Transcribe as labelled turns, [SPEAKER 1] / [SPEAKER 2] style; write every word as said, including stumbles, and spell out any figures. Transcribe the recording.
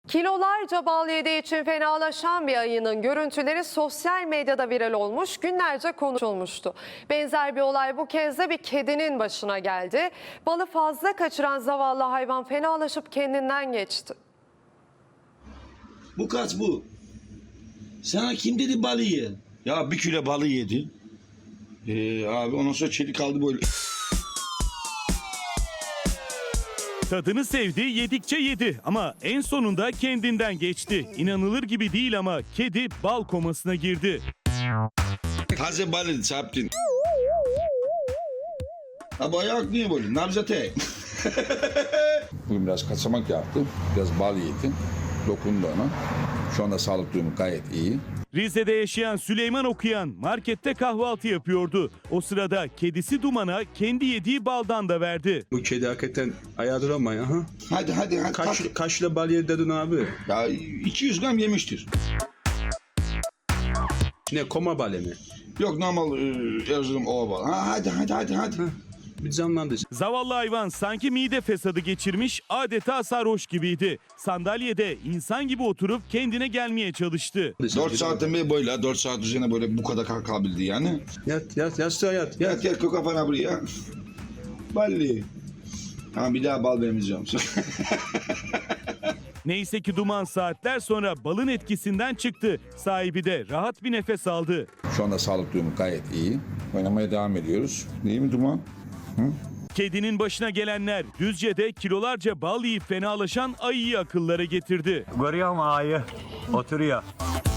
[SPEAKER 1] Kilolarca bal yediği için fenalaşan bir ayının görüntüleri sosyal medyada viral olmuş, günlerce konuşulmuştu. Benzer bir olay bu kez de bir kedinin başına geldi. Balı fazla kaçıran zavallı hayvan fenalaşıp kendinden geçti.
[SPEAKER 2] Bu kaç bu? Sana kim dedi balı ye? Ya bir kilo balı yedi. Ee, abi ondan sonra çelik kaldı böyle.
[SPEAKER 3] Tadını sevdi, yedikçe yedi ama en sonunda kendinden geçti. İnanılır gibi değil ama kedi bal komasına girdi.
[SPEAKER 2] Taze balı çarptın. Ha bu ayak niye böyle? Nabzate.
[SPEAKER 4] Bugün biraz kaçamak yaptı. Biraz bal yedi. Dokundu ona. Şu anda sağlık durumu gayet iyi.
[SPEAKER 3] Rize'de yaşayan Süleyman Okuyan markette kahvaltı yapıyordu. O sırada kedisi Duman'a kendi yediği baldan da verdi.
[SPEAKER 5] Bu kedi hakikaten ayağa duramıyor. Ha?
[SPEAKER 2] Hadi hadi hadi.
[SPEAKER 5] Kaç,
[SPEAKER 2] kalk.
[SPEAKER 5] kaç kilo bal yedi dedin abi?
[SPEAKER 2] Ya iki yüz gram yemiştir.
[SPEAKER 5] Ne, koma balı mı?
[SPEAKER 2] Yok normal e, Erzurum ova balı. Ha, hadi hadi hadi hadi.
[SPEAKER 5] Bir canlandı.
[SPEAKER 3] Zavallı hayvan sanki mide fesadı geçirmiş, adeta sarhoş gibiydi. Sandalyede insan gibi oturup kendine gelmeye çalıştı.
[SPEAKER 2] dört saatten beri böyle, dört saat üzerine böyle bu kadar kalkabildi yani.
[SPEAKER 5] Yat yat yastığa yat.
[SPEAKER 2] Yat
[SPEAKER 5] Yat.
[SPEAKER 2] yat koy kafana buraya. Balli. Tamam bir daha bal vermeyeceğim.
[SPEAKER 3] Neyse ki Duman saatler sonra balın etkisinden çıktı. Sahibi de rahat bir nefes aldı.
[SPEAKER 4] Şu anda sağlık durumu gayet iyi. Oynamaya devam ediyoruz. Değil mi Duman? Hı?
[SPEAKER 3] Kedinin başına gelenler Düzce'de kilolarca bal yiyip fenalaşan ayıyı akıllara getirdi.
[SPEAKER 6] Görüyor musun ayı? Oturuyor.